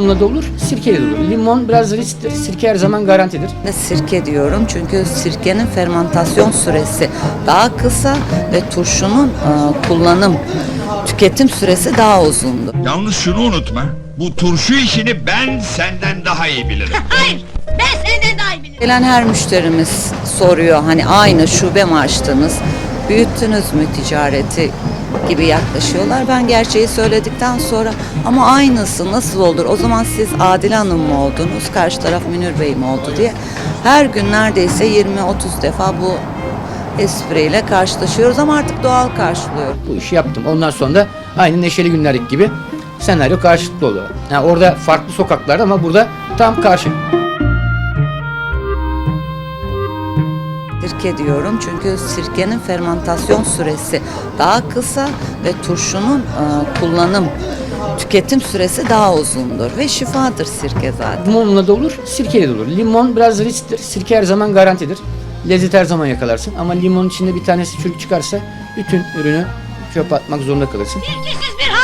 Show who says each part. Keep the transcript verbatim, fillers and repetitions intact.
Speaker 1: Limonla da olur, sirkeyle de olur. Limon biraz risktir, sirke her zaman garantidir.
Speaker 2: Ve sirke diyorum çünkü sirkenin fermentasyon süresi daha kısa ve turşunun e, kullanım, tüketim süresi daha uzundur.
Speaker 3: Yalnız şunu unutma. Bu turşu işini ben senden daha iyi bilirim.
Speaker 4: Hayır, ben senden daha iyi bilirim.
Speaker 2: Gelen her müşterimiz soruyor hani aynı şube mi açtınız, büyüttünüz mü ticareti gibi yaklaşıyorlar. Ben gerçeği söyledikten sonra ama aynısı nasıl olur? O zaman siz Adile Hanım mı oldunuz, karşı taraf Münir Bey mi oldu diye her gün neredeyse yirmi otuz defa bu espriyle karşılaşıyoruz ama artık doğal karşılıyor.
Speaker 1: Bu işi yaptım. Ondan sonra da aynı Neşeli Günler'deki gibi senaryo karşılıklı oluyor. Yani orada farklı sokaklar ama burada tam karşı.
Speaker 2: Sirke diyorum çünkü sirkenin fermentasyon süresi daha kısa ve turşunun e, kullanım, tüketim süresi daha uzundur ve şifadır sirke zaten.
Speaker 1: Limonla da olur, sirkeyle de olur. Limon biraz risktir, sirke her zaman garantidir. Lezzet her zaman yakalarsın ama limonun içinde bir tanesi çürük çıkarsa bütün ürünü çöpe atmak zorunda kalırsın.
Speaker 4: Sirkesiz bir